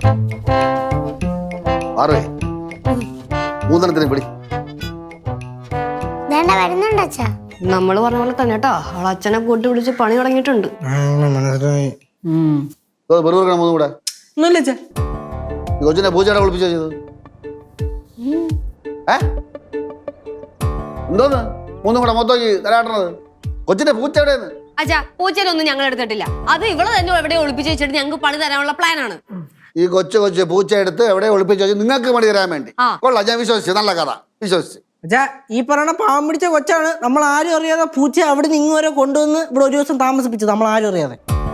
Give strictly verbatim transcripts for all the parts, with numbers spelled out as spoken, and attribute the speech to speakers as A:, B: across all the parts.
A: ആറേ മൂന്നെണ്ണത്തിന് പിടി.
B: വരുന്നുണ്ട് അച്ഛാ.
C: നമ്മള് പറഞ്ഞ പോലെ തന്നെ കേട്ടോ, അവൾ അച്ഛനെ കൂട്ടി വിളിച്ച് പണി തുടങ്ങിയിട്ടുണ്ട്.
A: മൂന്നും കൂടെ കൊച്ചിനെ പൂച്ചയുടെ ഒളിപ്പിച്ചോ ചെയ്തത്? ഏ എന്തോന്ന് മൂന്നും കൂടെ മൊത്തം തരാട്ടണത്? കൊച്ചിന്റെ പൂച്ച എവിടെയെന്ന്?
C: അച്ഛാ, പൂച്ചയിലൊന്നും ഞങ്ങൾ എടുത്തിട്ടില്ല. അത് ഇവള് തന്നെ എവിടെ ഒളിപ്പിച്ച് വെച്ചിട്ട് ഞങ്ങൾക്ക് പണി തരാനുള്ള പ്ലാനാണ്.
A: ഈ കൊച്ചു കൊച്ചു പൂച്ച എടുത്ത് എവിടെ ഒളിപ്പിച്ച് വെച്ച് നിങ്ങൾക്ക് പണി തരാൻ വേണ്ടി. കൊള്ളാം, ഞാൻ വിശ്വസിച്ചു. നല്ല കഥ, വിശ്വസിച്ചു.
D: അച്ഛാ, ഈ പറയുന്ന പാവം പിടിച്ച കൊച്ചാണ് നമ്മൾ ആരും അറിയാതെ പൂച്ച അവിടെ നിന്ന് ഇങ്ങ് വരെ കൊണ്ടുവന്ന് ഇവിടെ ഒരു ദിവസം താമസിപ്പിച്ചത്, നമ്മൾ ആരും അറിയാതെ.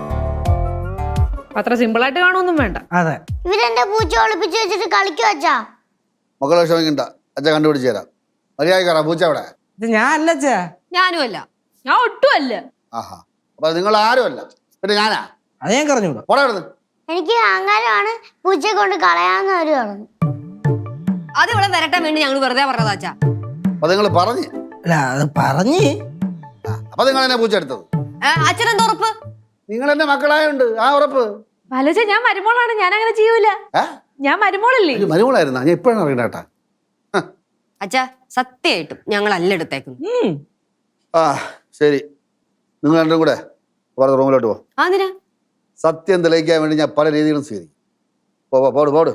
E: അത്ര സിമ്പിൾ ആയിട്ട് കാണുമൊന്നും വേണ്ട.
D: അതെ,
B: ഇവരെന്റെ പൂച്ച ഒളിപ്പിച്ച് വെച്ചിട്ട് കളിക്കും അച്ഛാ.
A: മക്കളെ വിഷമിക്കണ്ട, അച്ഛൻ കണ്ടുപിടിച്ച് തരാം. മര്യാദക്കാരാ പൂച്ച അവിടെ?
D: ഇത് ഞാൻ അല്ല അച്ഛാ.
C: ഞാനും അല്ല.
E: ഞാൻ ഒട്ടും അല്ല.
A: ആഹാ, അപ്പൊ നിങ്ങൾ ആരും അല്ല, പിന്നെ ഞാനാ?
D: അത് ഞാൻ പറഞ്ഞൂടാ.
A: പോടാ.
B: എനിക്ക് അഹങ്കാരമാണ് പൂച്ചയെ കൊണ്ട് കളയാന്ന് അവര് പറഞ്ഞു.
C: അത് ഇവിടെ വരട്ടാൻ വേണ്ടി ഞങ്ങൾ വെറുതെ പറഞ്ഞതാ അച്ഛാ.
A: അപ്പൊ നിങ്ങൾ പറഞ്ഞ്?
D: അല്ല, അത് പറഞ്ഞ്.
A: അപ്പൊ നിങ്ങൾ എന്നെ പൂച്ച എടുത്തത്?
C: അച്ഛനെന്താ ഉറപ്പ്?
A: നിങ്ങൾ എന്റെ മക്കളായുണ്ട്, ആ ഉറപ്പ്.
E: വലച്ച, ഞാൻ മരുമോളാണ്, ഞാൻ അങ്ങനെ ചെയ്യൂല. ഞാൻ മരുമോളല്ലേ?
A: മരുമോളായിരുന്നാ? ഞാൻ ഇപ്പോഴാണ് അറിയണ്ടേട്ടാ.
C: അച്ഛാ, സത്യമായിട്ടും ഞങ്ങൾ അല്ല എടുത്തേക്കുന്നു.
A: ആ ശരി, നിങ്ങൾ രണ്ടും കൂടെ റൂമിലോട്ട് പോ.
C: അതിനാ
A: സത്യം തെളിയിക്കാൻ വേണ്ടി ഞാൻ പല രീതികളും സ്വീകരിക്കും. പോ പോട് പോട്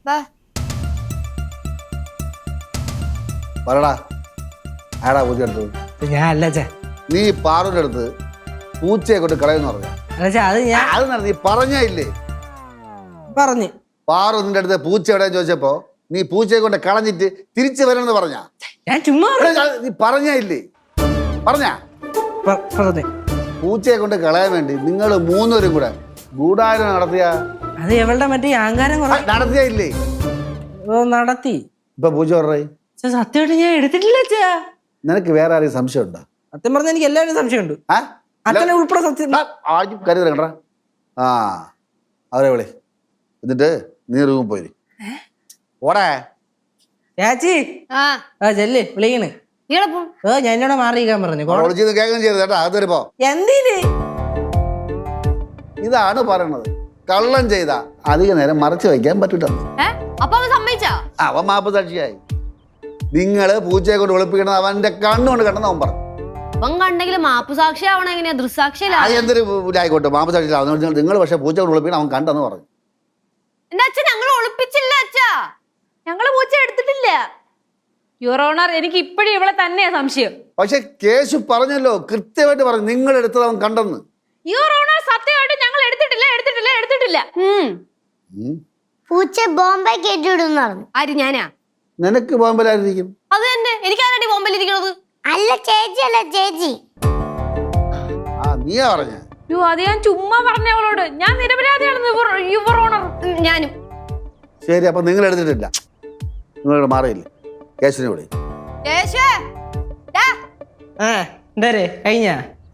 A: പറടാ, ആടാ പൂച്ച എടുത്തത്?
D: ഞാൻ അല്ല അച്ഛാ.
A: നീ പാറുവിന്റെ അടുത്ത് പൂച്ചയെ കൊണ്ട് കളയെന്ന് പറഞ്ഞ?
D: അത് ഞാൻ
A: അത് നീ പറഞ്ഞില്ലേ?
D: പറഞ്ഞു.
A: പാറു നിന്റെ അടുത്ത് പൂച്ച എവിടെയെന്ന് ചോദിച്ചപ്പോ നീ പൂച്ചയെ കൊണ്ട് കളഞ്ഞിട്ട് തിരിച്ചു വരണമെന്ന് പറഞ്ഞ?
D: ഞാൻ ചുമ്മാ
A: നീ പറഞ്ഞില്ലേ? പറഞ്ഞ പൂച്ചയെ കൊണ്ട് കളയാൻ വേണ്ടി നിങ്ങൾ മൂന്നുപേരും കൂടെ ഗൂഢാലോചന നടത്തിയ?
D: അത് എവളുടെ മറ്റേ അഹങ്കാരം
A: നടത്തിയില്ലേ?
D: നടത്തി.
A: ഇപ്പൊ പൂച്ച പറഞ്ഞേ
D: സത്യമായിട്ട് ഞാൻ എടുത്തിട്ടില്ല അച്ഛാ.
A: നിനക്ക് വേറെ ആരെയും സംശയം ഉണ്ടോ?
D: സത്യം പറഞ്ഞാൽ എനിക്ക് എല്ലാവരും സംശയമുണ്ട്. അച്ഛനെ ഉൾപ്പെടെ സത്യം.
A: ആദ്യം കരുതല കണ്ടാ. ആ അവരെ വിളി, എന്നിട്ട് നീ റൂമിൽ പോയി ഓടേ.
D: ചേച്ചി ആ ചെല്ല് വിളിക്കണ്. ഏ ഞാൻ എന്നോട് മാറിയിരിക്കാൻ പറഞ്ഞു.
A: കേൾക്കുകയും ചെയ്ത് കേട്ടാ. അത് വരുമ്പോ
D: എന്തിന്
A: ഇതാണ് പറയണത്, കള്ളം ചെയ്ത അധിക നേരം മറച്ചു വയ്ക്കാൻ പറ്റൂലെന്ന്. അവൻ മാപ്പ് സാക്ഷിയായി. നിങ്ങള് പൂച്ചയെ കൊണ്ട് ഒളിപ്പിക്കണത് അവന്റെ കണ്ണുകൊണ്ട് കണ്ടെന്ന് അവൻ പറഞ്ഞു.
C: അവൻ കണ്ടെങ്കിൽ മാപ്പ് സാക്ഷി ആവണം. എങ്ങനെയാ ദൃസാക്ഷിയില്ല?
A: എന്തൊരു ആയിക്കോട്ടെ, മാപ്പ് സാക്ഷിയില്ല. നിങ്ങൾ പക്ഷെ പൂച്ച കൊണ്ട് ഒളിപ്പിക്കണം അവൻ കണ്ടെന്ന് പറഞ്ഞു.
C: എന്റെ അച്ഛൻ ഞങ്ങൾ ഒളിപ്പിച്ചില്ല അച്ഛാ.
E: ഞങ്ങള് പൂച്ച എടുത്തിട്ടില്ല യുവർ ഓണർ. എനിക്ക് ഇപ്പോഴും ഇവളെ തന്നെയാ സംശയം.
A: പക്ഷെ കേശു പറഞ്ഞല്ലോ, കൃത്യമായിട്ട് പറഞ്ഞു നിങ്ങൾ എടുത്തത് അവൻ കണ്ടെന്ന്.
E: യുവർ ഓണർ, സത്യമായിട്ട് ഞങ്ങൾ എടുത്തിട്ടില്ല എടുത്തിട്ടില്ല എടുത്തിട്ടില്ല.
B: പൂച്ച ബോംബെ കയറ്റിവിടുന്നു പറഞ്ഞു.
C: ആര്? ഞാനാ?
A: നിനക്ക് ബോംബെലായിരിക്കും.
C: അത് തന്നെ, എനിക്കാരടി ബോംബെലിരിക്കണത്?
B: അല്ല ചേച്ചി, അല്ല ചേച്ചി.
A: ആ നീയാ പറഞ്ഞ?
E: യോ, അത് ഞാൻ ചുമ്മാ പറഞ്ഞ അവളോട്. ഞാൻ നിരപരാധിയാണെന്ന് യുവർ ഓണർ.
C: ഞാനും.
A: ശരി, അപ്പൊ നിങ്ങൾ എടുത്തിട്ടില്ല. നിങ്ങൾ മാറിയില്ലേ? കേശുവിനെ വിളി.
D: കഴിഞ്ഞ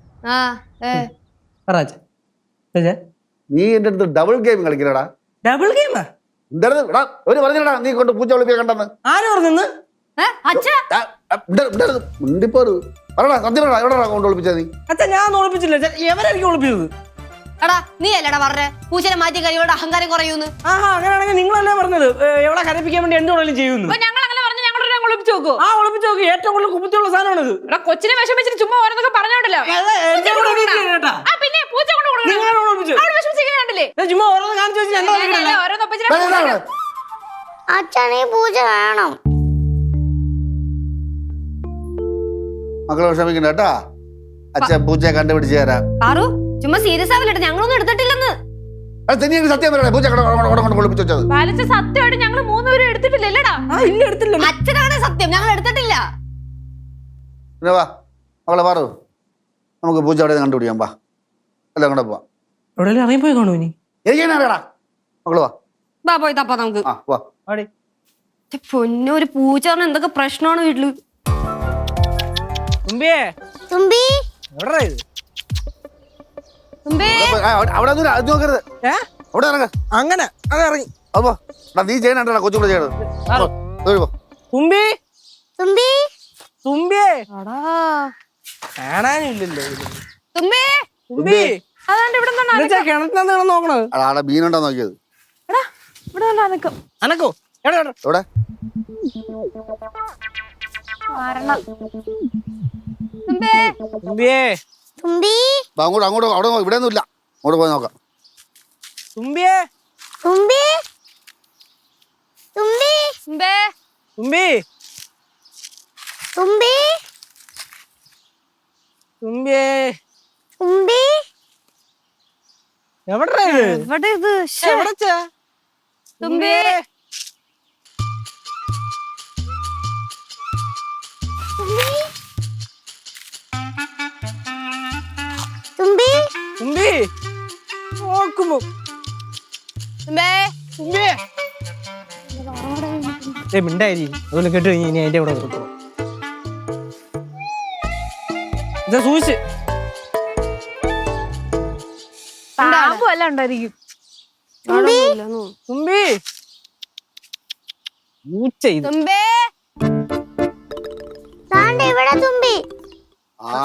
A: നീ എന്റെ അടുത്ത് ഡബിൾ ഗെയിം കളിക്കലടാ.
D: ഡബിൾ ഗെയിമാ?
A: എന്താ ഒരു പറഞ്ഞടാ നീ കൊണ്ട് പൂച്ച ഒളിപ്പിക്കാൻ കണ്ടെന്ന്?
D: ആര് പറഞ്ഞു?
A: മുണ്ടിപ്പോറ് പറടാ, സത്യം പറടാ, എവിടെടാ കൊണ്ട് ഒളിപ്പിച്ചാ നീ?
D: അച്ഛാ, ഞാൻ ഒളിപ്പിച്ചില്ല. എവരായിരിക്കും ഒളിപ്പിച്ചത്?
C: എടാ നീ അല്ലടാ പറഞ്ഞേ പൂച്ചനെ മാറ്റി കഴിയോടെ അഹങ്കാരം കുറയൂന്ന്.
D: ആഹാ, അങ്ങനെയാണെങ്കിൽ നിങ്ങളല്ലേ പറഞ്ഞത് എവിടെ കരപ്പിക്കാൻ വേണ്ടി എന്ത് വേണേലും ചെയ്യുന്നു.
E: ഞങ്ങൾ അങ്ങനെ പറഞ്ഞു. ഞങ്ങളൊരു ഒളിപ്പിച്ചു നോക്കൂ.
D: ആ ഒളിപ്പിച്ചു നോക്കി. ഏറ്റവും കൂടുതൽ കുപ്പത്തിയുള്ള സാധനമാണ് ഇത്.
E: എടാ കൊച്ചിനെ വിഷമിച്ചിട്ട് ചുമ്മാ ഓരോന്നൊക്കെ പറഞ്ഞോണ്ടല്ലോ. പിന്നെ പൂച്ച കൊണ്ട്
D: ചുമ്മാ ഓരോന്ന് കാണിച്ചു വെച്ച്
B: അച്ഛനെ പൂച്ച വേണം.
A: മക്കളെ വിഷമിക്കണ്ട കേട്ടാ, അച്ഛൻ പൂച്ചയെ കണ്ടുപിടിച്ച് തരാം.
C: ആറു ചുമ്മാ സീരിയസ് ആവില്ലട്ടെ, ഞങ്ങളൊന്നും എടുത്തിട്ടില്ലെന്ന്.
A: സത്യം പറയണേ, പൂച്ച ഒളിപ്പിച്ചു വെച്ചത്?
E: സത്യമായിട്ട് ഞങ്ങൾ മൂന്നുപേരും എടുത്തിട്ടില്ലല്ലേടാ?
D: ഇല്ല എടുത്തില്ല.
C: അച്ഛനാണ് സത്യം, ഞങ്ങൾ എടുത്തിട്ടില്ല.
A: പിന്നെ വാ മക്കളെ പാറു, നമുക്ക് പൂച്ച അവിടെ കണ്ടുപിടിക്കാം. വാ എല്ലാം കൂടെ പോവാം.
D: എവിടെയെങ്കിലും ഇറങ്ങിപ്പോയി കാണൂ ഇനി?
A: എനിക്കാണ് അറിയടാ. മക്കള് വാ.
C: വാ പോയി തപ്പാ നമുക്ക്.
A: ആ വാ.
C: പൊന്നു, ഒരു പൂച്ച പറഞ്ഞ എന്തൊക്കെ പ്രശ്നമാണ് വീട്ടില്.
D: തുമ്പിയേ,
B: തുമ്പി
D: എവിടെടാ ഇത്?
C: തുമ്പി
A: അവിടെ നോക്കരുത്, അവിടെ ഇറങ്ങ.
D: അങ്ങനെ അത് ഇറങ്ങി.
A: അപ്പോ നീ ചെയ്യണ കൊച്ചു കൂടെ ചെയ്യണത്.
D: തുമ്പി,
B: തുമ്പി,
D: തുമ്പിയേ. കാണാനില്ലല്ലോ
C: തുമ്പി.
D: തുമ്പി കിണറ്റിനകത്ത് കിടന്ന് നോക്കണത്.
A: അവിടെ മീനുണ്ടോ നോക്കിയത്?
E: അനക്കം
D: അനക്കോ എവിടെ എവിടെ?
A: എവിടെ
E: കാരണം തുമ്പേ
D: തുമ്പിയേ
B: തുമ്പി
A: വാ, അങ്ങോട്ട് അങ്ങോട്ട് അവിടെ നോ- ഇവിടെ ഒന്നും ഇല്ല, അങ്ങോട്ട് പോയി നോക്കാം.
D: തുമ്പിയേ
B: തുമ്പി തുമ്പി
E: തുമ്പേ
D: തുമ്പി
B: തുമ്പി
D: തുമ്പിയേ
B: തുമ്പി
D: എവിടെ
E: എവിടെ ഇത് ശ്ശെ.
D: എവിടെ
E: തുമ്പി
B: തുമ്പി
D: തുമ്പി നോക്കുമ്പോ
E: തുമ്പേ
D: തുമ്പിയേ ഏ മിണ്ടായി അതുപോലെ കേട്ട് കഴിഞ്ഞ് ഇനി അതിന്റെ കൂടെ നിർത്തണം. ഇതാ സൂക്ഷിച്ച്
E: പാമ്പ് വല്ല ഉണ്ടായിരിക്കും.
D: തുമ്പി പൂച്ച ഇത്
E: തുമ്പേ
B: താണ്ട ഇവിടെ തുമ്പി
A: ആ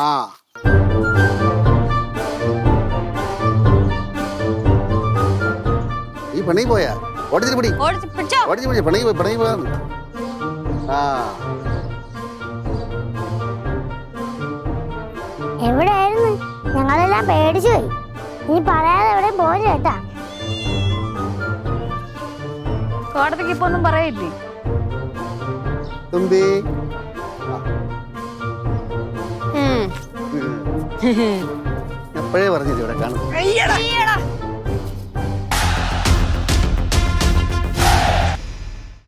A: ഈ പെണ്ണി പോയാ ഓടിച്ചിട്ട് പിടി
C: ഓടിച്ച് പിടിച്ചോ.
A: ഓടിച്ച് പിടി പെണ്ണി പോയി പെണ്ണി പോയാ ആ
B: എവിടെയായിരുന്നു? ഞങ്ങളെല്ലാം പേടിച്ചു പോയി. നീ പറയാതെ എവിടെയും പോയില്ല കേട്ടാ.
E: കോടതിക്ക് ഇപ്പൊ ഒന്നും പറയില്ലേ?
A: തുമ്പി
C: ഉം.
A: എപ്പോഴേ പറഞ്ഞില്ല ഇവിടെ കാണും.
D: അയ്യടാ
E: അയ്യടാ.